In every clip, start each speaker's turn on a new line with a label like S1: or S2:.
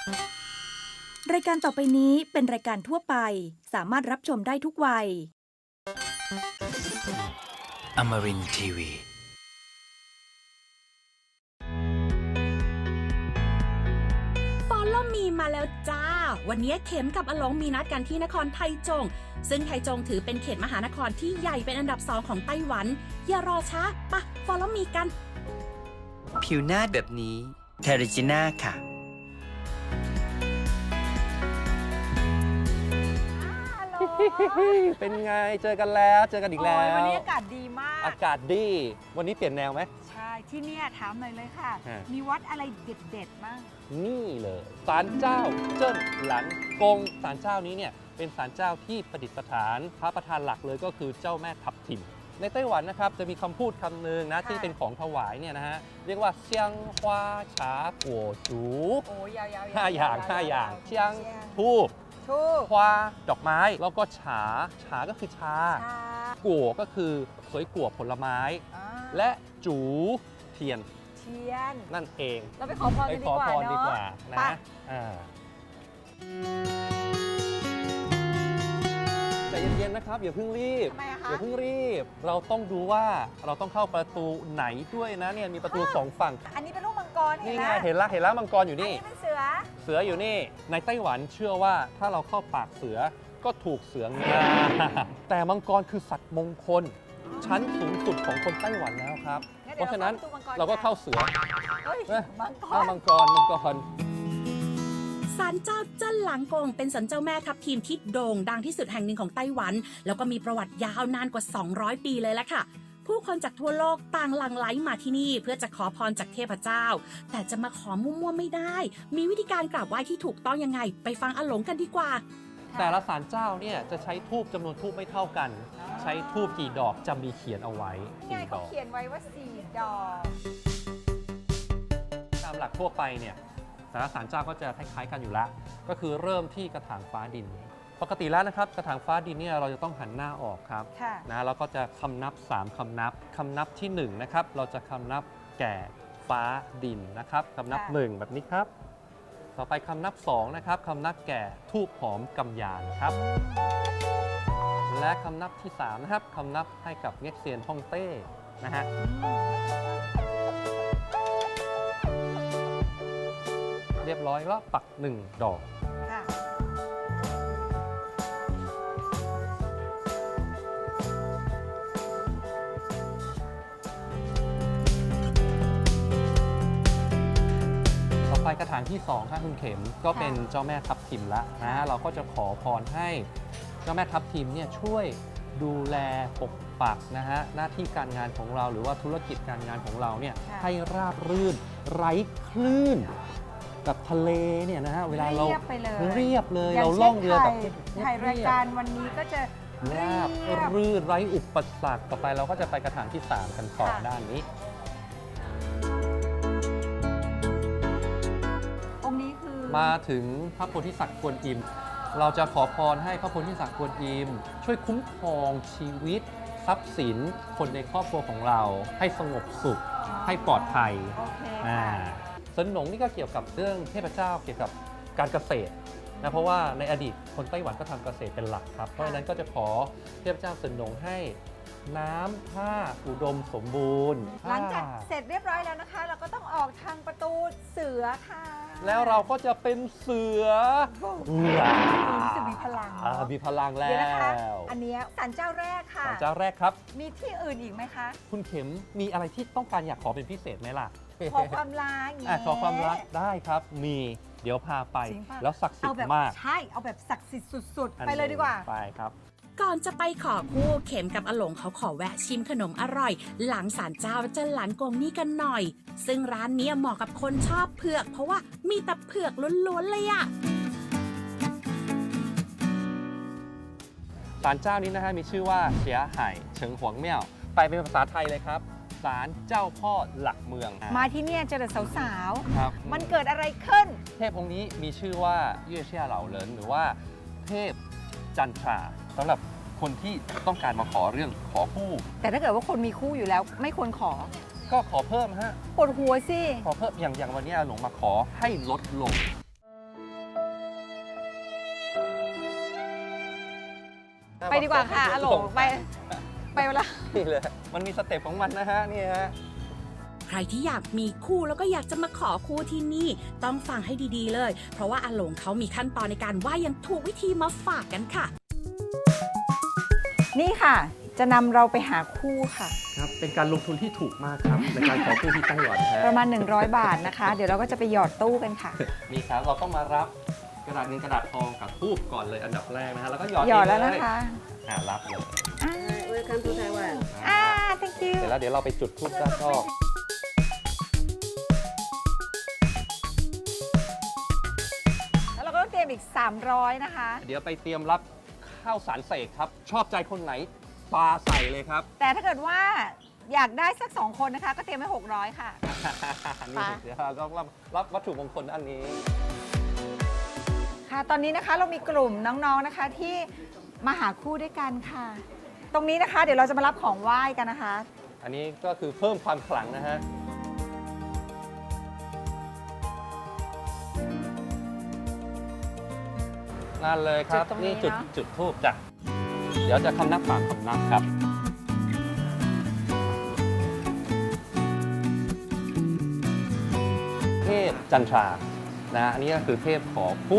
S1: รายการต่อไปนี้เป็นรายการทั่วไปสามารถรับชมได้ทุกวัย
S2: Amarin Tiwi.
S3: Follow me มาแล้วจ้าวันนี้เข็มกับอลงมีนัดกันที่นครไทจงซึ่งไทจงถือเป็นเขตมหานครที่ใหญ่เป็นอันดับ2ของไต้หวันอย่ารอช้าปะ Follow me กัน
S2: ผิวหน้าแบบนี้เทริจิน่าค่ะ
S4: เป็นไงเจอกันแล้วเจอกันอีกแล้ว
S5: วันนี้อากาศดีมาก
S4: อากาศดีวันนี้เปลี่ยนแนวไหม
S5: ใช่ที่เนี่ยถามหน่อยเลยค่ะ
S4: ฮะ
S5: มีวัดอะไรเด็ดๆบ้าง
S4: นี่เลยศาลเจ้าเจิ้นหลันกงศาลเจ้านี้เนี่ยเป็นศาลเจ้าที่ประดิษฐานพระประธานหลักเลยก็คือเจ้าแม่ทับทิมในไต้หวันนะครับจะมีคำพูดคำหนึ่งนะ
S5: ค่ะ
S4: ที่เป็นของถวายเนี่ยนะฮะเรียกว่าเซียงฮวาฉากัวจู
S5: โอ้ยาวๆ
S4: ห้าอย่างห้าอย่างเซียงทูบ
S5: ทูบ
S4: ฮวาดอกไม้แล้วก็ฉาก็คือชา
S5: ชา
S4: กัวก็คือสวยกัวผลไม้
S5: อ่า
S4: และจูเทียน
S5: เทียน
S4: นั่นเอง
S5: เราไปขอพร
S4: ไป
S5: กัน
S4: ข
S5: ดี
S4: อก
S5: ว่า
S4: พรดีกว่า
S5: เนาะ
S4: นะ
S5: ไป
S4: ใจเย็นๆนะครับอย่าเพิ่งรีบ
S5: ทำไมอะคะ
S4: อย่าเพิ่งรีบ เราต้องดูว่าเราต้องเข้าประตูไหนด้วยนะเนี่ยมีประตูสองฝั่ง
S5: อันนี้เป็นรูปมังกร
S4: นี่
S5: เห็น
S4: ไง
S5: ไหม
S4: เห็นละมังกรอยู่
S5: อัน
S4: นี่
S5: นี้เป็นเสือ
S4: เสืออยู่นี่ในไต้หวันเชื่อว่าถ้าเราเข้าปากเสือก็ถูกเสืองา แต่มังกรคือสัตว์มงคล ชั้นสูงสุดของคนไต้หวันแล้วครับ
S5: งั้น
S4: เพ
S5: เดี๋ยว
S4: ราะฉะนั้น
S5: เราเข้าประตูมังกร
S4: เราก็เข้าเสือ
S5: เฮ้ย
S4: เอ้ย
S5: มังก
S4: อ้าว
S5: ร
S4: มังกร
S3: ศาลเจ้าเจิ้นหลังกงเป็นศาลเจ้าแม่ทับทิมที่โด่งดังที่สุดแห่งหนึ่งของไต้หวัน แล้วก็มีประวัติยาวนานกว่า 200 ปีเลยละค่ะ ผู้คนจากทั่วโลกต่างหลั่งไหลมาที่นี่เพื่อจะขอพรจากเทพเจ้า แต่จะมาขอมั่วๆไม่ได้ มีวิธีการกราบไหว้ที่ถูกต้องยังไง ไปฟังอาหลงกันดีกว่า
S4: แต่ละศาลเจ้าเนี่ยจะใช้ทูบจำนวนทูบไม่เท่ากัน ใช้ทูบกี่ดอกจะมีเขียนเอาไว้
S5: นี่ไง
S4: 4 ด
S5: เขา
S4: อก
S5: เขียนไว้ว่า4 ดอก
S4: ตามหลักทั่วไปเนี่ยแต่ละศาลเจ้าก็จะคล้ายๆกันอยู่แล้ว ก็คือเริ่มที่กระถางฟ้าดิน ปกติแล้วนะครับกระถางฟ้าดินเนี่ยเราจะต้องหันหน้าออกครับ
S5: ค่ะ
S4: นะแล้วก็จะคำนับ 3 คำนับคำนับที่1นะครับเราจะคำนับแก่ฟ้าดินนะครับคำนับ
S5: ค่ะ
S4: 1 แบบนี้ครับ ต่อไปคำนับ2นะครับคำนับแก่ทูบหอมกำยานครับ และคำนับที่3นะครับคำนับให้กับเง็กเซียนฮ่องเต้นะฮะเรียบร้อยแล้วปัก 1 ดอก
S5: ค่ะ
S4: ต่อไปกระถางที่2ครับคุณเข็มก็เป็นเจ้าแม่ทับทิมละนะเราก็จะขอพรให้เจ้าแม่ทับทิมเนี่ยช่วยดูแลปกปักนะฮะหน้าที่การงานของเราหรือว่าธุรกิจการงานของเราเนี่ย
S5: ค่ะ
S4: ให้ราบรื่นไร้คลื่นกับทะเลเนี่ยนะฮะเวลาเรา
S5: เรียบไปเลย
S4: เรียบเลย
S5: ย่
S4: เรา
S5: ช่น
S4: ล่องเรือแบบ
S5: ถ่ายรายการวันนี้ก็จะ
S4: ราบ
S5: เรียบ
S4: รื่นไร้อุปสรรคต่อไปเราก็จะไปกระถางที่ 3 กันต่อ
S5: ค่ะ
S4: ด้านนี้
S5: องค์นี้คือ
S4: มาถึงพระโพธิสัตว์กวนอิม เราจะขอพรให้พระโพธิสัตว์กวนอิม ช่วยคุ้มครองชีวิต ทรัพย์สิน คนในครอบครัวของเรา ให้สงบสุข ให้ปลอดภัย
S5: โอเค
S4: อ่า
S5: ค่ะ
S4: เซินหนงนี่ก็เกี่ยวกับเรื่องเทพเจ้าเกี่ยวกับการเกษตรนะเพราะว่าในอดีตคนไต้หวันก็ทำเกษตรเป็นหลักครับ เพราะฉะนั้นก็จะขอเทพเจ้าเซินหนงให้น้ำท่าอุดมสมบูรณ์
S5: หลังจากเสร็จเรียบร้อยแล้วนะคะ เราก็ต้องออกทางประตูเสือค่ะ
S4: แล้วเราก็จะเป็นเสือ
S5: รู้สึกมีพลังเนอะ
S4: มีพลังแล้
S5: เดี๋ยวนะคะ
S4: ว
S5: อันเนี้ยศาลเจ้าแรกค่ะ
S4: ศาลเจ้าแรกครับ
S5: มีที่อื่นอีกไหมคะ
S4: คุณเข็มมีอะไรที่ต้องการอยากขอเป็นพิเศษไหมล่ะ
S5: ขอความรักอย่างงี้
S4: ขอความรักได้ครับ มีเดี๋ยวพาไป
S5: จริงป่ะ
S4: แล้วศักดิ์สิท
S5: เอาแบบ
S4: ธิ์มาก
S5: ใช่ เอาแบบศักดิ์สิทธิ์สุด
S4: อัน
S5: ๆ ไปเลยดีกว่า
S4: ไปครับ
S3: ก่อนจะไปขอคู่เข็มกับอาหลงเขาขอแวะชิมขนมอร่อย หลังศาลเจ้าเจิ้นหลันกงนี่กันหน่อย ซึ่งร้านเนี้ยเหมาะกับคนชอบเผือก เพราะว่ามีแต่เผือกล้วนๆเลยอะ
S4: ศาลเจ้านี้นะฮะมีชื่อว่าเสียไห่เฉิงหวงเมี่ยวไปเป็นภาษาไทยเลยครับศาลเจ้าพ่อหลักเมือง
S5: มาที่เนี่ยเจอแต่สาว
S4: ครับ
S5: ๆ มันเกิดอะไรขึ้น
S4: เทพองค์นี้มีชื่อว่าเย่เชี่ยเหล่าเหลินหรือว่าเทพจันทราสำหรับคนที่ต้องการมาขอเรื่องขอคู่
S5: แต่ถ้าเกิดว่าคนมีคู่อยู่แล้วไม่ควรขอ
S4: ก็ขอเพิ่มฮะ
S5: ปวดหัวสิ
S4: ขอเพิ่มอย่างวันนี้อาหลงมาขอให้ลดลง
S5: ไปดีกว่าค่ะอาหลงไปเวลา
S4: นี่เลยมันมีสเต็ปของมันนะฮะนี่ฮะ
S3: ใครที่อยากมีคู่แล้วก็อยากจะมาขอคู่ที่นี่ต้องฟังให้ดีๆเลย เพราะว่าอาหลงเขามีขั้นตอนในการไหว้อย่างถูกวิธีมาฝากกันค่ะ
S5: นี่ค่ะ จะนำเราไปหาคู่ค่ะ
S4: ครับเป็นการลงทุนที่ถูกมากครับในการขอคู่ที่ไต้หวันฮะ
S5: ประมาณ 100 บาทนะคะ เดี๋ยวเราก็จะไปหยอดตู้กันค่ะ
S4: นี่ครับเราต้องมารับกระดาษเงินกระดาษทองกับทูบก่อนเลยอันดับแรกนะฮะแล้วก็หยอด
S5: หยอดแล้ว
S4: เง
S5: นะ
S4: เย
S5: คะ
S4: รับเลย
S6: Welcome to Taiwan.
S5: thank you
S4: เสร็จแล้วเดี๋ยวเราไปจุดทูบด้านนอก
S5: แล้วเราก็ต้องเตรียมอีก 300 นะคะ
S4: เดี๋ยวไปเตรียมรับข้าวสารเสกครับ ชอบใจคนไหนปาใส่เลยครับ
S5: แต่ถ้าเกิดว่าอยากได้สัก 2 คนนะคะ ก็เตรียมไว้ 600 ค่ะ
S4: นี่เดี๋ยวเราต้องรับวัตถุมงคลอันนี้
S5: ค่ะ ตอนนี้นะคะเรามีกลุ่มน้องๆนะคะที่มาหาคู่ด้วยกันค่ะ ตรงนี้นะคะเดี๋ยวเราจะมารับของไหว้กันนะคะ
S4: อันนี้ก็คือเพิ่มความขลังนะฮะนั่นเลยครับ
S5: จุดตรงนี้
S4: นี่จุด
S5: เนอะ
S4: จุดทูบจ้ะเดี๋ยวจะคำนับ3คำนับครับ เทพจันทรานะอันนี้ก็คือเทพขอคู่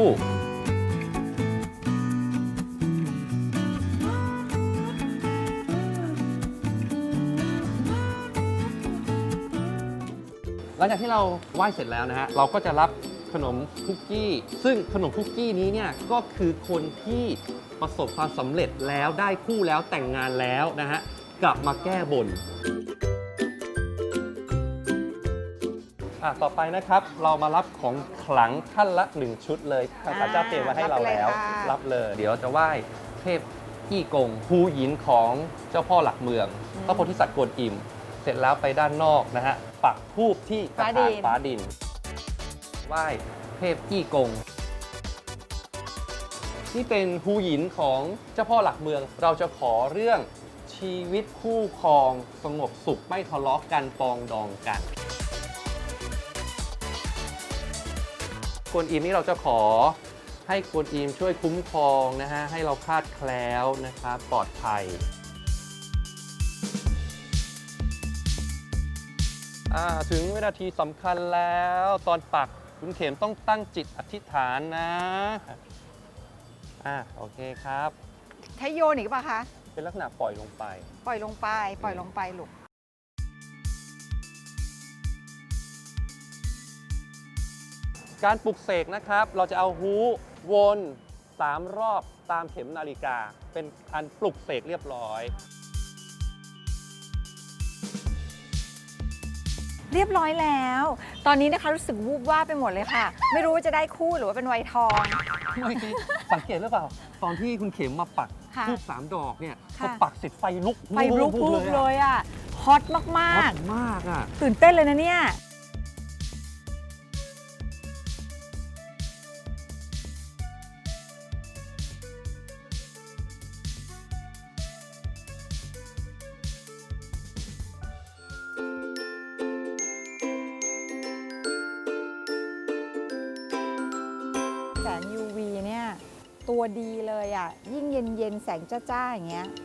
S4: หลังจากที่เราไหว้เสร็จแล้วนะฮะ เราก็จะรับขนมคุกกี้ ซึ่งขนมคุกกี้นี้เนี่ยก็คือคนที่ประสบความสำเร็จแล้วได้คู่แล้วแต่งงานแล้วนะฮะ กลับมาแก้บน ต่อไปนะครับเรามารับของขลังท่านละ 1 ชุดเลยทางศาลเจ้าเตรียมมาให้เราแล้ว รับเลย เดี๋ยวจะไหว้เทพอี้กงฮูหยินของเจ้าพ่อหลักเมืองพระโพธิสัตว์กวนอิม เสร็จแล้วไปด้านนอกนะฮะ ปักธูปที่กระถางฟ้าดิน ไหว้เทพอี้กง ที่เป็นฮูหยินของเจ้าพ่อหลักเมือง เราจะขอเรื่องชีวิตคู่ครองสงบสุขไม่ทะเลาะกันปองดองกัน กวนอิมนี่เราจะขอให้กวนอิมช่วยคุ้มครองนะฮะให้เราคลาดแคล้วนะครับปลอดภัยถึงวินาทีสำคัญแล้วตอนปักคุณเข็มต้องตั้งจิตอธิษฐานนะโอเคครับ
S5: ใช้โยนอีกป่ะคะ
S4: เป็นลักษณะปล่อยลงไป
S5: ปล่อยลงไป ปล่อยลงไปลูก
S4: การปลุกเสกนะครับ เราจะเอาฮูวน3 รอบตามเข็มนาฬิกา เป็นอันปลุกเสกเรียบร้อย
S5: เรียบร้อยแล้ว ตอนนี้นะคะรู้สึกวูบว่าบไปหมดเลยค่ะ ไม่รู้ว่าจะได้คู่หรือว่าเป็นไวทอง
S4: เมื่อกี้สังเกตหรือเปล่า ตอนที่คุณเข็มมาปัก
S5: ค่ะ
S4: ทูบ3 ดอกเนี่ยพ
S5: ค่ะ
S4: อปักเสร็จไฟลุก
S5: ไฟลุก
S4: วู
S5: วู
S4: บบ
S5: เลยอ่ะ ฮอตมาก
S4: ฮอตมากอ่ะ
S5: ๆ ตื่นเต้นเลยนะเนี่ย แสง UV เนี่ย ตัวดีเลยอ่ะ ยิ่งเย็นๆ แสงจ้าๆ อย่างเงี้ย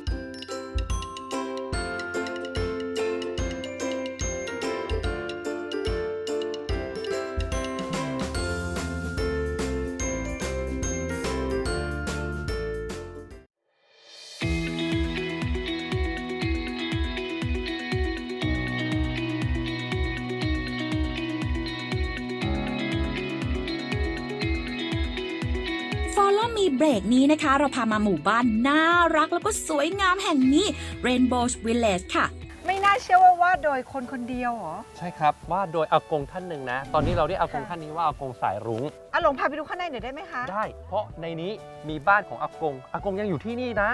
S3: Follow Me เบรกนี้นะคะ เราพามาหมู่บ้านน่ารักแล้วก็สวยงามแห่งนี้ Rainbow Village ค่ะ
S5: ไม่น่าเชื่อว่าวาดโดยคนคนเดียวเหรอ
S4: ใช่ครับวาดโดยอากงท่านหนึ่งนะ ตอนนี้เราเรียกอากงท่านนี้ว่าอากงสายรุ้ง
S5: หลงพาไปดูข้างในหน่อยได้ไหมคะ
S4: ได้ เพราะในนี้มีบ้านของอากง อากงยังอยู่ที่นี่นะ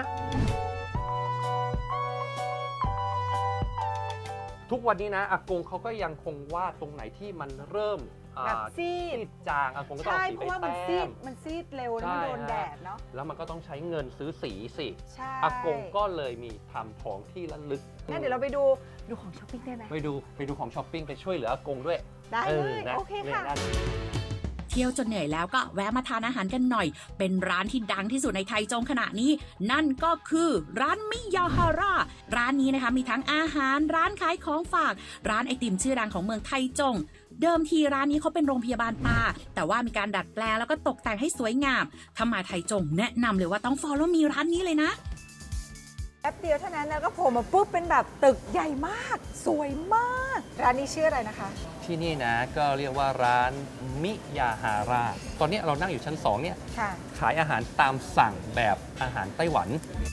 S4: ทุกวันนี้นะอากงเขาก็ยังคงวาดตรงไหนที่มันเริ่ม
S5: แบบซีด
S4: จางอากงก็ต้อง
S5: ใช่
S4: เอาสี
S5: เพ
S4: ไป
S5: ราะว่ามัน
S4: แต้
S5: ซีด
S4: ม
S5: มันซีดเร็วแล้วมัน
S4: ใช่
S5: โดน
S4: ฮะ
S5: แดดเนาะ
S4: แล้วมันก็ต้องใช้เงินซื้อสีสิ
S5: ใช่
S4: อากงก็เลยมีทำของที่ระลึก
S5: งั้นเดี๋ยวเราไปดูของช้อปปิ้งได้ไหม
S4: ไปดูของช้อปปิ้งไปช่วยเหลืออากงด้วย
S5: ได้เลย
S4: นะ
S5: โอเคค่ะ
S4: นี่นั่น
S3: ที่ที่ยวจนเหนื่อยแล้วก็แวะมาทานอาหารกันหน่อย เป็นร้านที่ดังที่สุดในไทจงขณะนี้ นั่นก็คือร้านมิยาฮาร่าร้านนี้นะคะมีทั้งอาหารร้านขายของฝากร้านไอติมชื่อดังของเมืองไทจง เดิมทีร้านนี้เขาเป็นโรงพยาบาลปลาแต่ว่ามีการดัดแปลงแล้วก็ตกแต่งให้สวยงามถ้ามาไทจงแนะนำเลยว่าต้อง follow มีร้านนี้เลยนะ
S5: แป๊บเดียวเท่านั้นแล้วก็โผล่มาปุ๊บเป็นแบบตึกใหญ่มาก สวยมาก ร้านนี้ชื่ออะไรนะคะ
S4: ที่นี่นะก็เรียกว่าร้านมิยาฮาร่าตอนนี้เรานั่งอยู่ชั้น 2 เนี่ย
S5: ค่ะ
S4: ขายอาหารตามสั่งแบบอาหารไต้หวัน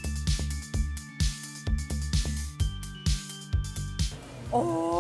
S5: โอ้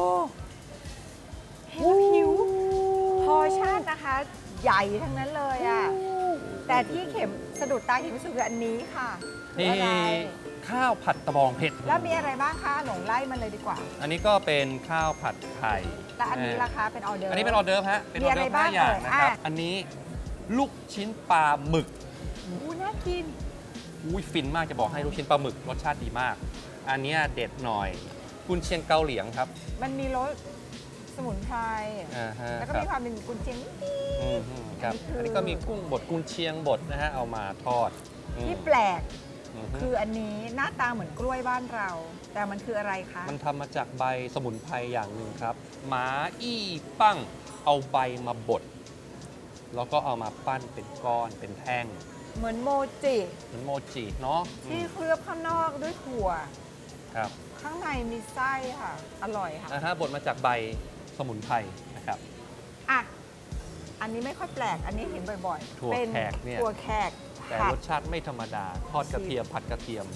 S5: เห็นแล้วหิวพอชั่นนะคะ ใหญ่ทั้งนั้นเลยอ่ะ แต่ที่เข็มสะดุดตาเข็มรู้สึกคืออันนี้ค่ะคือ
S4: นี่
S5: อะไร
S4: ข้าวผัดตะบองเผ็ด
S5: แล้วมีอะไรบ้างคะหลงไล่มันเลยดีกว่า
S4: อันนี้ก็เป็นข้าวผัดไข่
S5: และอันนี้ล่ะคะเป็นออเดอร์
S4: อันนี้เป็นออเดิร์ฟฮะเป็นอ
S5: มี
S4: อ
S5: อะไร
S4: เดิร์ฟ
S5: บ้าง
S4: 5 อย่าง
S5: เอ่ย
S4: นะครับ
S5: อ่ะ
S4: อันนี้ลูกชิ้นปลาหมึก
S5: อู้น่ากิน
S4: อุ้ยฟินมากจะบอกให้ลูกชิ้นปลาหมึกรสชาติดีมาก อันเนี้ยเด็ดหน่อยกุนเชียงเกาเหลียงครับ
S5: มันมีรสสมุนไพร
S4: อ่าฮะ
S5: แล้วก็
S4: ครับ
S5: มีความเป็นกุนเชียงนิด
S4: ครับ
S5: อันนี้คืออั
S4: อันนี้ก็มีกุ้งบดกุนเชียงบดนะฮะเอามาทอด
S5: ที่แปลก
S4: อืม
S5: คืออันนี้หน้าตาเหมือนกล้วยบ้านเรา แต่มันคืออะไรคะ
S4: มันทำมาจากใบสมุนไพรอย่างหนึ่งครับหมาอี้ปั้งเอาใบมาบดแล้วก็เอามาปั้นเป็นก้อนเป็นแท่ง
S5: เหมือนโมจิ
S4: เหมือนโมจิเนาะ
S5: ที่เคลือบข้างนอกด้วยถั่ว
S4: ครับ
S5: ข้างในมีไส้ค่ะ อร่อยค่ะ
S4: นะฮะบดมาจากใบสมุนไพรนะครับ
S5: อ่ะ อันนี้ไม่ค่อยแปลก อันนี้เห็นบ่อยๆ
S4: ถั่ว
S5: เป็น
S4: แขกเนี่ย
S5: ถั่วแขก
S4: แต่
S5: ผัด
S4: รสชาติไม่ธรรมดา ทอดกระเทียมผัดกระเทียม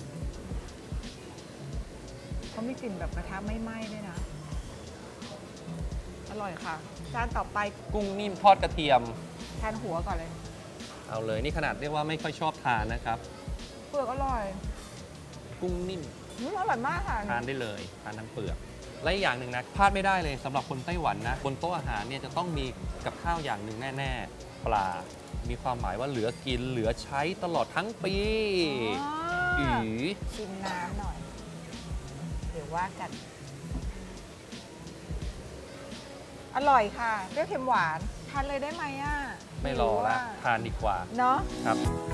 S5: เขามีกลิ่นแบบกระทะไม่ไหม้ด้วยนะ อร่อยค่ะ จานต่อไป
S4: กุ้งนิ่มทอดกระเทียม
S5: ทานหัวก่อนเลย
S4: เอาเลยนี่ขนาดเรียกว่าไม่ค่อยชอบทานนะครับ
S5: เปลือกอร่อย
S4: กุ้งนิ่ม
S5: อร่อยมากค่ะ
S4: ทานได้เลยทานทั้งเปลือกและอีกอย่างหนึ่งนะพลาดไม่ได้เลยสำหรับคนไต้หวันนะบนโต๊ะอาหารเนี่ยจะต้องมีกับข้าวอย่างหนึ่งแน่ๆ ปลา มีความหมายว่าเหลือกินเหลือใช้ตลอดทั้งปี
S5: อ๋อ
S4: อี
S5: ชิมน้ำหน่อย เดี๋ยวว่ากัน อร่อยค่ะเปรี้ยวเค็มหวานทานเลยได้ไหมอ่ะ
S4: ไม่รอละ
S5: หิวอะ
S4: ทานดีกว่า
S5: เนาะ
S4: ครับ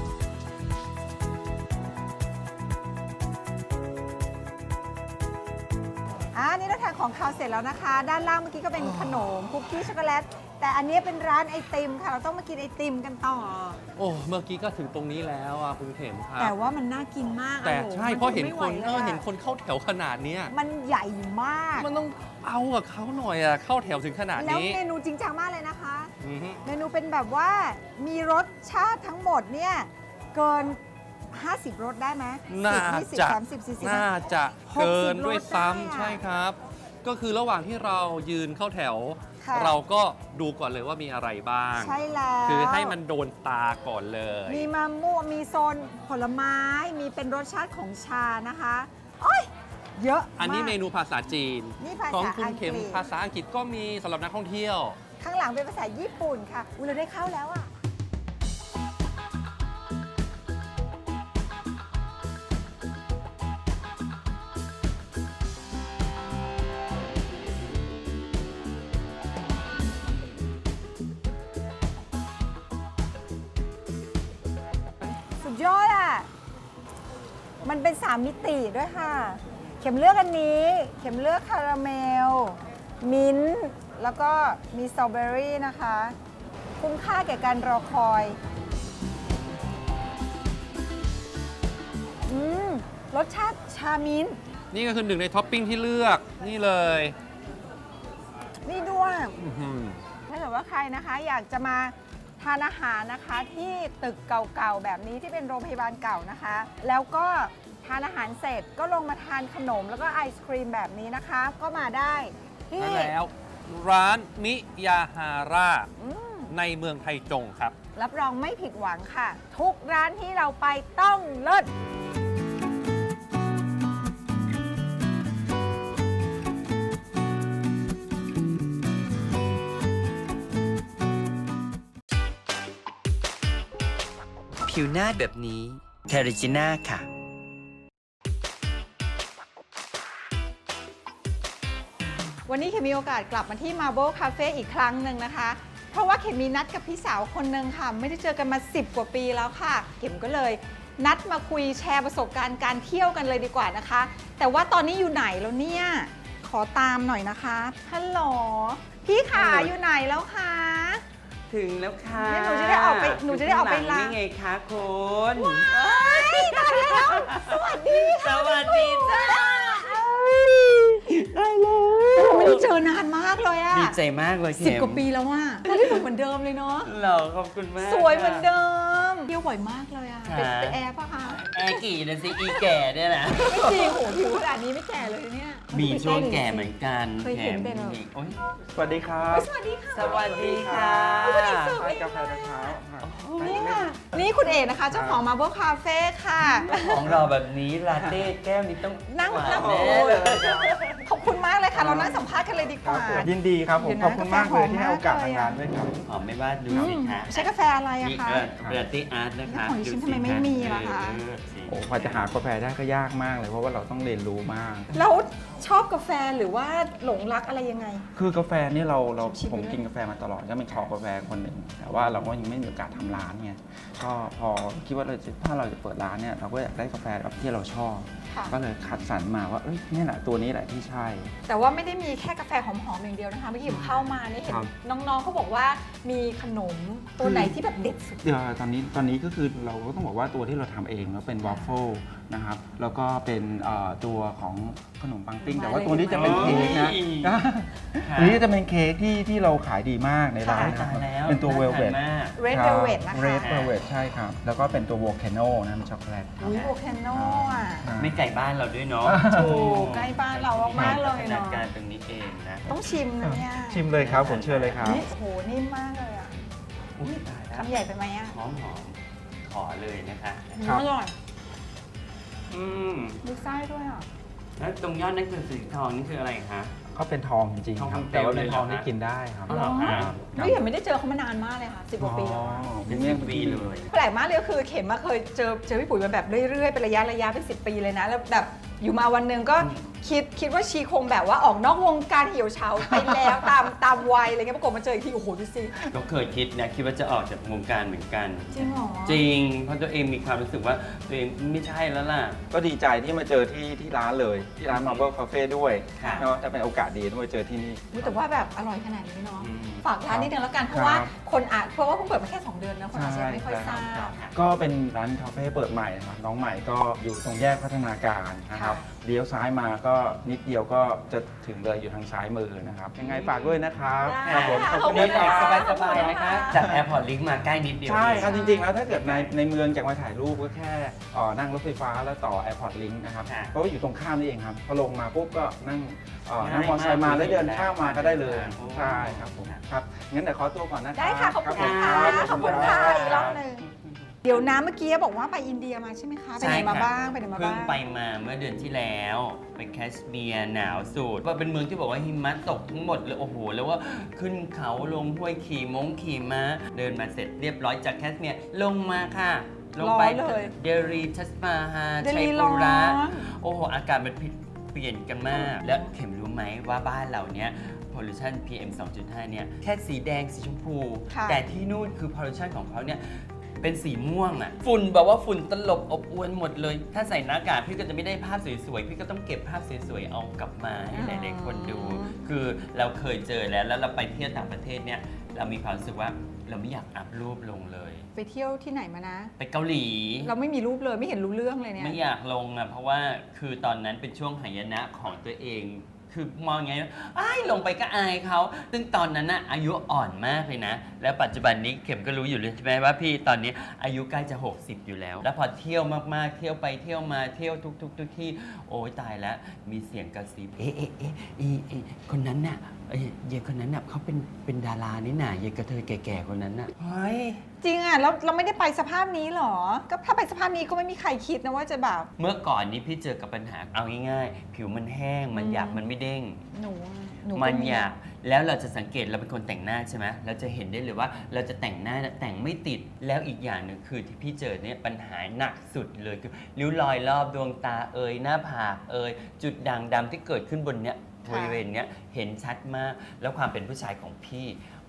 S5: นี่เราทานของคาวเสร็จแล้วนะคะ ด้านล่างเมื่อกี้ก็เป็นขนมคุกกี้ช็อกโกแลต แต่อันนี้เป็นร้านไอติมค่ะ เราต้องมากินไอติมกันต่อ
S4: โอ้เมื่อกี้ก็ถึงตรงนี้แล้วอ่ะคุณเข็มครับ
S5: แต่ว่ามันน่ากินมาก
S4: แต่
S5: โอ้โ
S4: ใช่เพราะเห็น
S5: ไม่
S4: ค
S5: ไหวน ลยอะ
S4: เห็นคนเข้าแถวขนาดเนี้ย
S5: มันใหญ่มาก
S4: มันต้องเอากับเขาหน่อยอ่ะเข้าแถวถึงขนาด
S5: แล้ว
S4: นี้
S5: เมนูจริงจังมากเลยนะคะ
S4: อือฮึ
S5: เมนูเป็นแบบว่ามีรสชาติทั้งหมดเนี่ยเกิน 50 รสได้ไหม
S4: น่า
S5: 10
S4: จะ
S5: 20 30 40
S4: น่าจะเกินด้วย
S5: 60
S4: ซ้ำ
S5: รสได้อะ
S4: ใช่ครับ ก็คือระหว่างที่เรายืนเข้าแถว
S5: ค่ะ
S4: เราก็ดูก่อนเลยว่ามีอะไรบ้าง
S5: ใช่แล้ว
S4: คือให้มันโดนตาก่อนเลย
S5: มีมะม่วงมีโซนผลไม้ มีเป็นรสชาติของชานะคะโอ้ยเยอะมาก
S4: อันนี้เมนูภาษาจีน
S5: นี่ภาษา
S4: ของคุณเข็ม
S5: อังกฤษ
S4: ภาษาอังกฤษก็มีสำหรับนักท่องเที่ยว
S5: ข้างหลังเป็นภาษาญี่ปุ่นค่ะอุ้ยเราได้เข้าแล้วอ่ะ สุดยอดอ่ะ มันเป็น 3 มิติด้วยค่ะ เข็มเลือกอันนี้ เข็มเลือกคาราเมล มิ้นท์ แล้วก็มีสตรอเบอรี่นะคะ คุ้มค่าแก่การรอคอย รสชาติชามิ้นท์
S4: นี่ก็คือหนึ่งในท็อปปิ้งที่เลือกนี่เลย
S5: นี่ด้วย
S4: อื้อหือ
S5: ถ้าเกิดว่าใครนะคะอยากจะมาทานอาหารนะคะที่ตึกเก่าๆแบบนี้ที่เป็นโรงพยาบาลเก่านะคะ แล้วก็ทานอาหารเสร็จก็ลงมาทานขนมแล้วก็ไอศครีมแบบนี้นะคะ ก็มาได้ที่
S4: นั่นแล้วร้านมิยาฮาร่า
S5: อืม
S4: ในเมืองไทจงครับ
S5: รับรองไม่ผิดหวังค่ะ ทุกร้านที่เราไปต้องเลิศ
S2: ผิวหน้าแบบนี้เทริจิน่าค่ะ
S5: วันนี้เคมีโอกาสกลับมาที่ Marble Cafe อีกครั้งหนึ่งนะคะเพราะว่าเข็มมีนัดกับพี่สาวคนนึงค่ะ ไม่ได้เจอกันมา10 กว่าปีแล้วค่ะ เข็มก็เลยนัดมาคุยแชร์ประสบการณ์การเที่ยวกันเลยดีกว่านะคะ แต่ว่าตอนนี้อยู่ไหนแล้วเนี่ย ขอตามหน่อยนะคะฮัลโหลพี่ขาอยู่ไหนแล้วคะ
S2: ถึงแล้วค่ะ
S5: เนี่ยหนูจะได้ออกไปหนูจะได้ออกไป
S2: ข้างหลัง
S5: ล้าง
S2: นี่ไงคะคุณ
S5: ตายแล้ว สวัสดี
S2: ส
S5: ค่ะ
S2: วัสดีจ้า
S5: ได้เลยไม่ได้เจอนานมากเลยอะ
S2: ดีใจมากเลย
S5: 10 กว่าปีแล้วว่าก็ได้เหมือนเดิมเลยเนาะ
S2: เหราขอบคุณมาก
S5: สวยเหมือนเดิมเที่ยวบ่อยมากเลยอะ
S2: ค่ะ
S5: เป็นแอร์ปะคะ
S2: แอร์กี่นะสิอีแก่เนี่ยนะ
S5: ไม่จริงโหผิวขนาดนี้ไม่แก่เลยเนี่ย
S2: มีช่วงแก่เหมือนกัน
S5: เคยเห็นเป็นเหรอ
S2: โอ๊ย
S7: สวัสดีครับ
S5: สวัสดีค่ะ
S2: สวัสดีค่ะ
S7: ใช่กาแฟตอนเช้าค่ะ
S5: นี่ค่ะ นี่คุณเอกนะคะ เจ้าของ Marble Cafe ค่ะ
S2: ของเราแบบนี้ลาเต้แก้วนี้ต้อง
S5: นั่ง
S2: หวา
S5: นั่ง
S2: แน่เลย
S5: ขอบคุณมากเลยค่ะ เรานั่งสัมภาษณ์กันเลยดีก
S7: ครับ
S5: ว่า
S7: ผมยินดีครับผม
S5: เดี๋ยวนะ
S7: ขอบคุณมากเลยที่ให้
S5: กาแฟหอมมาก
S7: โอกาส
S5: เลย
S7: ทาง
S5: อะ
S7: งานด้วยครับ
S2: หอมไม่ว่าดู
S5: อื
S2: สิ
S5: ม
S2: คะ
S5: ใช้กาแฟอะไรอะ
S2: นี่
S5: คะ
S2: ลาเต้อาร์ตนะคะ
S5: แล้วของดิฉัน
S2: ดูสิ
S5: ทำไมไม่มีล่ะคะ
S2: สิ
S7: โอ้พอจะหากาแฟได้ก็ยากมากเลยเพราะว่าเราต้องเรียนรู้มาก
S5: แล้วชอบกาแฟหรือว่าหลงรักอะไรยังไง
S7: คือกาแฟนี่เรา
S5: ชิมๆ
S7: ผม
S5: ไปด้วย
S7: กินกาแฟมาตลอดก็เป็นคอกาแฟคนหนึ่งแต่ว่าเราก็ยังไม่มีโอกาสทำร้านไงก็พอคิดว่าถ้าเราจะเปิดร้านเนี่ยเราก็อยากได้กาแฟแบบที่เราชอบ
S5: ค่ะ
S7: ก็เลยคัดสรรมาว่าเอ้ยเนี่ยแหละตัวนี้แหละที่ใช่
S5: แต่ว่าไม่ได้มีแค่กาแฟหอมๆอย่างเดียวนะคะเมื่อกี้ผมเข้ามานี่เห็น
S7: ครับ
S5: น้องๆเขาบอกว่ามีขนมตัวไหนที่แบบเด็ดสุด
S7: เดี๋ยวตอนนี้ก็คือเราก็ต้องบอกว่าตัวที่เราทำเองแล้วเป็นวาฟเฟิลนะครับแล้วก็เป็นตัวของขนมปังปิ้ง
S5: มา
S7: แต่ว่า
S5: เลย
S7: ตัวนี้จะเป็นเค้กนะ
S2: ค่ะ
S7: ตัวนี้จะเป็นเค้กที่เราขายดีมากในร้าน
S2: ตายแล้ว
S7: เป็นตัวเวลเวด
S2: น่าทานมาก
S5: Red Velvet นะคะ
S7: เรดเวลเวดใช่ครับ แล้วก็เป็นตัวโวลแคนโนนะเป็นช็อกโกแลตครับ
S5: อุ้ยโวลแคนโนอ่ะ
S2: ไม่ไก่บ้านเราด้วยเนาะ
S5: ถูกใกล้บ้านเรามากๆเลย
S2: ขนา
S5: เนาะ
S2: ดการตรงนี้เองนะ
S5: ต้องชิมนะเนี่ย
S7: ชิมเลยครับผมเชิญเลยครับ
S5: นี่โอ้โหนิ่มมากเลยอ่ะ
S2: อุ๊ยตายแล้ว
S5: คำใหญ่ไปไหมอ่ะ
S2: หอมขอเลยนะคะ
S7: ครับ
S5: อร่อย
S2: อืม
S5: ดูไส้ด้วยอ่ะ
S2: แล้วตรงยอดนั่นคือสีทองนี่คืออะไรคะ
S7: ก็เป็นทองจริงๆ
S2: ทอง
S7: ครับ
S2: คำเปลว
S7: แต่ว่าเป็น
S2: เลยเหรอ
S7: ทองที่
S2: ฮะ
S7: กินได้ครับ
S2: อ๋อเหรอคะ
S5: ไม่เห็นไม่ได้เจอเขามานานมากเลยค่ะ10 กว่าปีแล้วอะ
S2: เป็นเรื่องปีเลย
S5: แปลกมากเลยก็คือเข็มมาเคยเจอพี่ปุ๋ยมาแบบเรื่อยๆเป็นระยะเป็น10 ปีเลยนะแล้วแบบอยู่มาวันหนึ่งก็คิดว่าชีคงแบบว่าออกนอกวงการเหี่ยวเฉาไปแล้ว ตามวัยอะไรเงี้ยปรากฏมาเจออีกทีโอ้โหดูสิ
S2: ก็เคยคิดนะคิดว่าจะออกจากวงการเหมือนกัน
S5: จริงเหรอ
S2: จริง เพราะตัวเองมีความรู้สึกว่าตัวเองไม่ใช่แล้วล่ะ
S7: ก็ดีใจที่มาเจอที่ร้านเลยที่ร้าน Marble Cafe ด้วย
S2: ค่ะ
S7: เนาะจะเป็นโอกาสดีที่มาเจอที่นี่
S5: อุ๊ยแต่ว่าแบบอร่อยขนาดนี้เนาะ
S2: อืม
S5: ฝากร้านนิดนึงแล้วกันเพราะว่าเพราะว่าเพิ่งเปิดมาแค่ 2 เดือนนะคนอาจจะยังไม่ค่อยทราบ
S7: ก็เป็นร้านคาเฟ่เปิดใหม่นะครับน้องใหม่ก็อยู่ตรงแยกพัฒนาการนะครับ
S5: ค่ะ
S7: เลี้ยวซ้ายมาก็นิดเดียวก็จะถึงเลยอยู่ทางซ้ายมือนะครับยังไงฝากด้วยนะครับ
S5: ได้
S7: ครับผม
S5: ค่ะ
S7: ขอบคุณ
S2: เดินออก
S7: นะครับ
S2: สบายๆนะคะ จากแอร์พอร์ตลิงก์มาใกล้นิดเดียว
S7: ใช่ครับ
S2: เอ
S7: จ
S2: ง
S7: ริงๆ แล้วถ้าเกิดในเมืองอยากมาถ่ายรูปก็แค่นั่งรถไฟฟ้าแล้วต่อ Airport Link นะครับ
S2: ค่ะ
S7: เพราะว่าอยู่ตรงข้ามนี่เองครับพอลงมาปุ๊บก็นั่งนั่ง
S2: ง่าย
S7: มอเตอร์ไซค์มา
S2: าก
S7: แล้วเดินข้ามมาก็ได้เลย
S2: โอ้
S7: ใช่ครับผมครับงั้นเดี๋ยวขอตัวก่อนนะครับ
S5: ได้ค่ะ ขอบคุณค่ะ ขอบคุณค่ะอีกรอบหนึ่งเดี๋ยวนะเมื่อกี้บอกว่าไปอินเดียมาใช่ไหมคะ ไปไหนมาบ้างไปไหนมา
S2: เพิ่
S5: บ้าง ง
S2: ไปมาเมื่อเดือนที่แล้ว ไปแคชเมียร์หนาวสุดว่าเป็นเมืองที่บอกว่าหิมะตกทั้งหมดเลยโอ้โห แล้วว่าขึ้นเขาลงห้วยขี่ม้าเดินมาเสร็จเรียบร้อยจากแคชเมียร์ลงมาค่ะ ลงไป
S5: ร้อนเลย
S2: เดลีทัสมาฮา
S5: เด
S2: ชัย
S5: ลีร้
S2: ปุ
S5: อน
S2: ระโอ้โห อากาศมันเปลี่ยนกันมาก แล้วเข็มรู้ไหมว่าบ้านเราเนี้ย pollution PM 2.5 เนี่ยแค่สีแดงสีชมพู
S5: ค่ะ
S2: แต่ที่นู่นคือ pollution ของเขาเนี่ย เป็นสีม่วงอะฝุ่นแบบว่าฝุ่นตลบอบอวนหมดเลย ถ้าใส่หน้ากากพี่ก็จะไม่ได้ภาพสวยๆ พี่ก็ต้องเก็บภาพสวยๆ เอากลับมาให้หลายๆคนดู คือเราเคยเจอแล้วเราไปเที่ยวต่างประเทศเนี่ย เรามีความรู้สึกว่าเราไม่อยากอัพรูปลงเลย
S5: ไปเที่ยวที่ไหนมานะ
S2: ไปเกาหลี
S5: เราไม่มีรูปเลยไม่เห็นรู้เรื่องเลยเนี่ย
S2: ไม่อยากลงอะเพราะว่าคือตอนนั้นเป็นช่วงหายนะของตัวเอง คือมองไงอ้ายลงไปก็อายเขาซึ่งตอนนั้นน่ะอายุอ่อนมากเลยนะ แล้วปัจจุบันนี้เข็มก็รู้อยู่เลยใช่ไหมว่าพี่ตอนนี้อายุใกล้จะ 60 อยู่แล้ว แล้วพอเที่ยวมากๆ เที่ยวไปเที่ยวมาเที่ยวทุกที่โอ้ยตายแล้วมีเสียงกระซิบคนนั้นน่ะเยายคนนั้นน่ะเขาเป็นดารานี่น่ะเยายกระเทยแก่ๆคนนั้นน่ะเฮ้ย
S5: จริงอ่ะแล้วเราไม่ได้ไปสภาพนี้หรอ ก็ถ้าไปสภาพนี้ก็ไม่มีใครคิดนะว่าจะแบบ
S2: เมื่อก่อนนี้พี่เจอกับปัญหาเอาง่ายๆผิวมันแห้งมันหยาบมันไม่เด้ง
S5: หนูก็
S2: มันอยากแล้วเราจะสังเกตเราเป็นคนแต่งหน้าใช่ไหมเราจะเห็นได้เลยว่าเราจะแต่งหน้าแต่งไม่ติดแล้วอีกอย่างหนึ่งคือที่พี่เจอเนี่ยปัญหาหนักสุดเลยคือริ้วรอยรอบดวงตาหน้าผากจุดด่างดำที่เกิดขึ้นบนเนี้ยบริเวณเนี้ยเห็นชัดมากแล้วความเป็นผู้ชายของพี่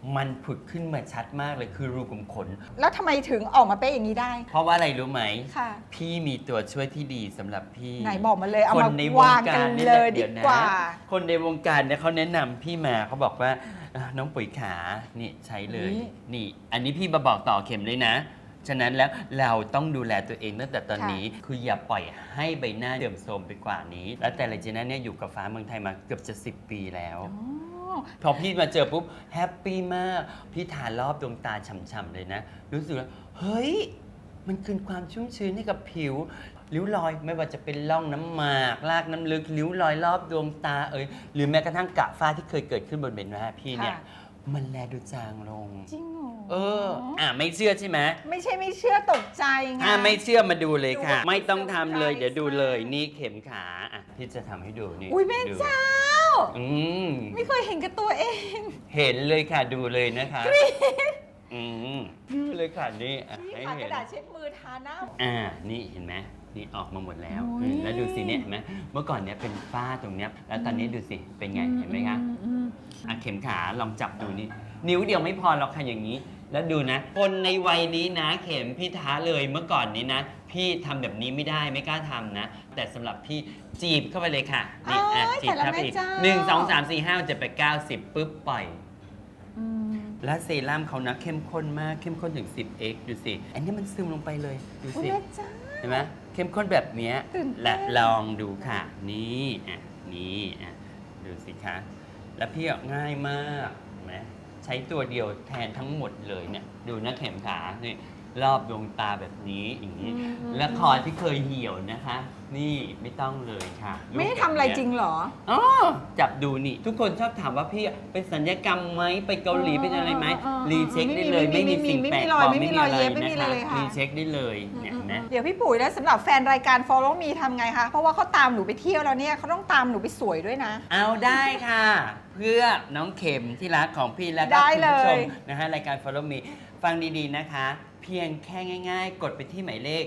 S2: มันผุดขึ้นมาชัดมากเลยคือรูขุมขน
S5: แล้วทำไมถึงออกมาเป็นอย่างนี้ได้
S2: เพราะว่าอะไรรู้ไหม
S5: ค่ะ
S2: พี่มีตัวช่วยที่ดีสำหรับพี่
S5: ไหนบอกมาเลยเอา
S2: คน
S5: มา
S2: ในว
S5: วาง ง
S2: กา
S5: กั
S2: ร
S5: น
S2: นี่
S5: เล
S2: แหละ
S5: ยดี
S2: เดี๋ยวนะ
S5: กว่า
S2: คนในวงการเนี่ยเขาแนะนำพี่มาเขาบอกว่าน้องปุ๋ยขานี่ใช้เลย
S5: นี่
S2: นี่ อันนี้พี่มาบอกต่อเข็มเลยนะ ฉะนั้นแล้วเราต้องดูแลตัวเองตั้งแต่ตอนนี้ คืออย่าปล่อยให้ใบหน้าเสื่อมโทรมไปกว่านี้ แล้วแต่ละเจน่าเนี่ยอยู่กับฟ้าเมืองไทยมาเกือบจะ10 ปีแล้ว พอพี่มาเจอปุ๊บแฮปปี้มาก พี่ทารอบดวงตาฉ่ำๆเลยนะ รู้สึกว่าเฮ้ย มันคืนความชุ่มชื้นให้กับผิว ริ้วรอยไม่ว่าจะเป็นร่องน้ำหมากลากน้ำลึกริ้วรอยรอบดวงตาหรือแม้กระทั่งกระฝ้าที่เคยเกิดขึ้นบนใบหน้าพี่เนี่ย
S5: ค่ะ
S2: มันแลดูจางลง
S5: จริงเหรอ
S2: ไม่เชื่อใช่ไหม
S5: ไม่ใช่ไม่เชื่อตกใจไง
S2: ไม่เชื่อมาดูเลยค่ะ
S5: ดู
S2: ไม่ต้องทำเลย
S5: surprise
S2: เดี๋ยวดูเลยนี่เข็มขาพี่จะทำให้ดูนี่
S5: อุ้ยแม่
S2: ดู
S5: เจ้า
S2: อืม
S5: ไม่เคยเห็นกับตัวเอง
S2: เห็นเลยค่ะดูเลยนะคะดูเลยค่ะนี่
S5: นี่
S2: ให้
S5: ค่ะก
S2: เห็
S5: ระ
S2: น
S5: ดาษเช็ดมือทาหน้า
S2: นี่เห็นไหมนี่ออกมาหมดแล้ว
S5: โอ้ย
S2: แล้วดูสิเนี่ยเห็นไหมเมื่อก่อนเนี่ยเป็นฝ้าตรงเนี้ยแล้วตอนนี้ดูสิเป็นไงเห็นไหมคะเข็มขาลองจับดูนี่นิ้วเดียวไม่พอหรอกค่ะอย่างนี้ แล้วดูนะ คนในวัยนี้นะเข็มพี่ท้าเลยเมื่อก่อนนี้นะ พี่ทำแบบนี้ไม่ได้ไม่กล้าทำนะ แต่สำหรับพี่จีบเข้าไปเลยค่ะนี่
S5: โอ้ย
S2: จีบเข้าไปอีก
S5: แต่ละแม่เจ้า
S2: 1 2 3 4 5 7 8 9 10ปุ๊บปล่อย และเซรั่มเขานะเข้มข้นมากเข้มข้นถึง 10x ดูสิ อันนี้มันซึมลงไปเลยดู
S5: อุ้ย
S2: สิ
S5: แม่เจ้า
S2: เห็นไหมเข้มข้นแบบเนี้ย
S5: ตื่นเต้น
S2: และลองดูค่ะ นี่นี่ดูสิคะ แล้วพี่ง่ายมากเห็นไหมใช้ตัวเดียวแทนทั้งหมดเลยเนี่ย ดูนะเข็มขานี่รอบดวงตาแบบนี้อย่างนี้ และคอที่เคยเหี่ยวนะคะ นี่ไม่ต้องเลยค่ะ
S5: ไม่ได้ทำอะไรจริงเหรอ
S2: อ๋อจับดูนี่ ทุกคนชอบถามว่าพี่เป็นสัญญกรรมไหมไปเกาหลีเป็นอะไรไหมรีเช็คได้เลย ไม่มีสิ่งแปลกปลอม
S5: ไม่มีรอยเย็บไม่มี
S2: นะ
S5: อะไร
S2: คะ
S5: เลยค่ะ
S2: รีเช็คได้เลยเนี่ยเห็นไหม
S5: เดี๋ยวพี่ปุ๋ยแล้วสำหรับแฟนรายการ Follow Me ทำไงคะ เพราะว่าเขาตามหนูไปเที่ยวแล้วเนี่ยเขาต้องตามหนูไปสวยด้วยนะ
S2: เอาได้ค่ะ เพื่อน้องเข็มที่รักของพี่และก็
S5: ได้
S2: คุณ
S5: เลย
S2: ผู้ชมนะฮะรายการ Follow Me ฟังดีๆนะคะ เพียงแค่ง่ายๆ กดไปที่หมายเลข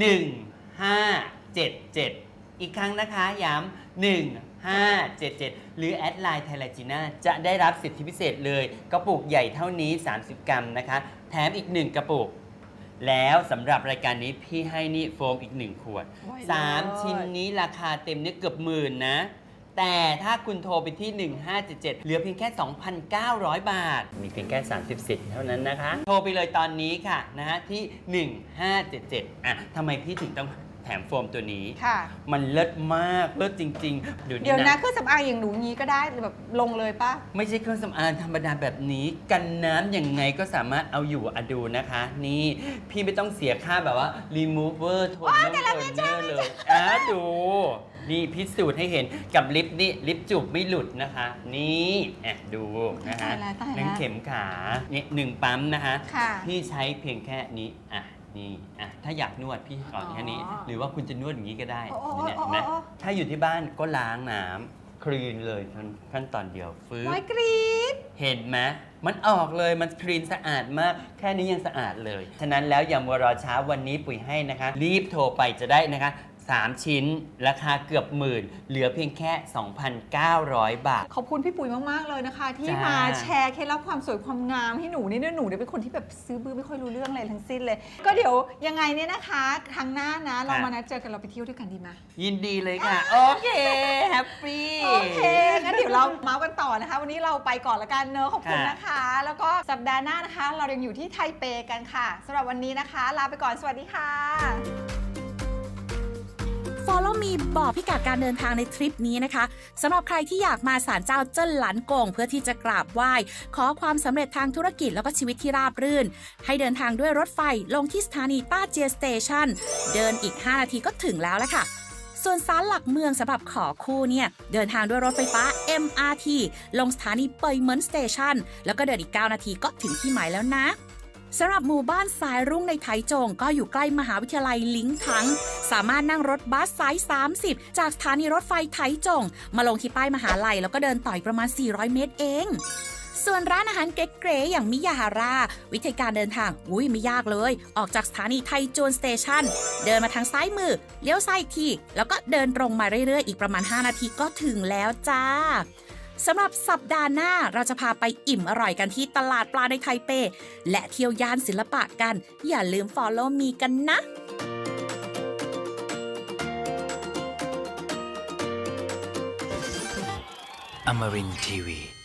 S2: 1577 อีกครั้งนะคะ ย้ำ1577 หรือแอดไลน์ไทยจีน่าจะได้รับสิทธิพิเศษเลย กระปุกใหญ่เท่านี้ 30 กรัมนะคะ แถมอีก 1 กระปุก แล้วสำหรับรายการนี้พี่ให้นี่โฟมอีก 1 ขวด
S5: โอ้ย
S2: 3 ชิ้นนี้ราคาเต็มเนี่ยเกือบหมื่นนะ แต่ถ้าคุณโทรไปที่ 1577 เหลือเพียงแค่ 2,900 บาท มีเพียงแค่ 30 สิทธิ์เท่านั้นนะคะ โทรไปเลยตอนนี้ค่ะนะฮะที่ 1577ทำไมพี่ถึงต้องแถมโฟมตัวนี้
S5: ค่ะ
S2: มันเลิศมาก เลิศจริงๆ
S5: เดี๋ยวนะเครื่องสำอางอย่างหนูงี้ก็ได้แบบลงเลยปะ
S2: ไม่ใช่เครื่องสำอางธรรมดาแบบนี้ กันน้ำยังไงก็สามารถเอาอยู่ดูนะคะ นี่พี่ไม่ต้องเสียค่าแบบว่า remover โทนเนอร์เลยดู นี่พิสูจน์ให้เห็นกับลิปนี่ลิปจูบไม่หลุดนะคะ นี่ดูนะคะ
S5: ตายแล้วตายแล้ว
S2: นั่นเข็มขาเนี่ย1 ปั๊มนะคะ
S5: ค่ะ
S2: พี่ใช้เพียงแค่นี้นี่ถ้าอยากนวดพี่ก่อนแค่นี้ หรือว่าคุณจะนวดอย่างนี้ก็ได้
S5: โอ้โอ้
S2: เนี่ย
S5: โอ้
S2: เห็นไหม
S5: โอ้
S2: ถ้าอยู่ที่บ้านก็ล้างน้ำคลีนเลยขั้นตอนเดียวฟื้น
S5: น้อยกรี๊ด
S2: เห็นไหมมันออกเลยมันคลีนสะอาดมาก แค่นี้ยังสะอาดเลย ฉะนั้นแล้วอย่ามัวรอช้าวันนี้ปุ๋ยให้นะคะ รีบโทรไปจะได้นะคะ 3 ชิ้นราคาเกือบหมื่น เหลือเพียงแค่ 2,900 บาท
S5: ขอบคุณพี่ปุ๋ยมากๆเลยนะคะ ที่
S2: จ้าม
S5: มาแชร์เคล็ดลับความสวยความงามให้หนูนี่หนูเนี่ยเป็นคนที่แบบซื้อบื้อไม่ค่อยรู้เรื่องอะไรทั้งสิ้นเลย ก็เดี๋ยวยังไงเนี่ยนะคะครั้งหน้านะเรามานัดเจอกันเราไปเที่ยวด้วยกันดีไหม
S2: ยินดีเลยค่ะ โอเค แฮปปี้
S5: โอเค งั้นเดี๋ยวเราเมาส์กันต่อนะคะ วันนี้เราไปก่อนละกันเนอะขอบคุณ
S2: ค่ะ
S5: นะคะ แล้วก็สัปดาห์หน้านะคะ เรายังอยู่ที่ไทเปกันค่ะสำหรับวันนี้นะคะ ลาไปก่อน สวัสดีค่ะ
S3: Follow Me บอกพิกัดการเดินทางในทริปนี้นะคะสำหรับใครที่อยากมาศาลเจ้าเจิ้นหลันกงเพื่อที่จะกราบไหว้ขอความสำเร็จทางธุรกิจแล้วก็ชีวิตที่ราบรื่น ให้เดินทางด้วยรถไฟลงที่สถานีต้าเจียสเตชันเดินอีก 5 นาทีก็ถึงแล้วละค่ะ ส่วนศาลหลักเมืองสำหรับขอคู่เนี่ยเดินทางด้วยรถไฟฟ้า MRT ลงสถานีเปยเหมินสเตชันแล้วก็เดินอีก 9 นาทีก็ถึงที่หมายแล้วนะสำหรับหมู่บ้านสายรุ่งในไถจงก็อยู่ใกล้มหาวิทยาลัยลิงถังสามารถนั่งรถบัสสาย 30 จากสถานีรถไฟไถจงมาลงที่ป้ายมหาลัยแล้วก็เดินต่ออีกประมาณ 400 เมตรเอง ส่วนร้านอาหารเก๋ๆอย่างมิยาฮาราวิธีการเดินทางไม่ยากเลยออกจากสถานีไทจูนสเตชันเดินมาทางซ้ายมือเลี้ยวซ้ายอีกทีแล้วก็เดินตรงมาเรื่อยๆอีกประมาณ 5 นาทีก็ถึงแล้วจ้าสำหรับสัปดาห์หน้าเราจะพาไปอิ่มอร่อยกันที่ตลาดปลาในไทเป และเที่ยวย่านศิลปะกัน อย่าลืม follow me กันนะ
S8: Amarin Tiwi.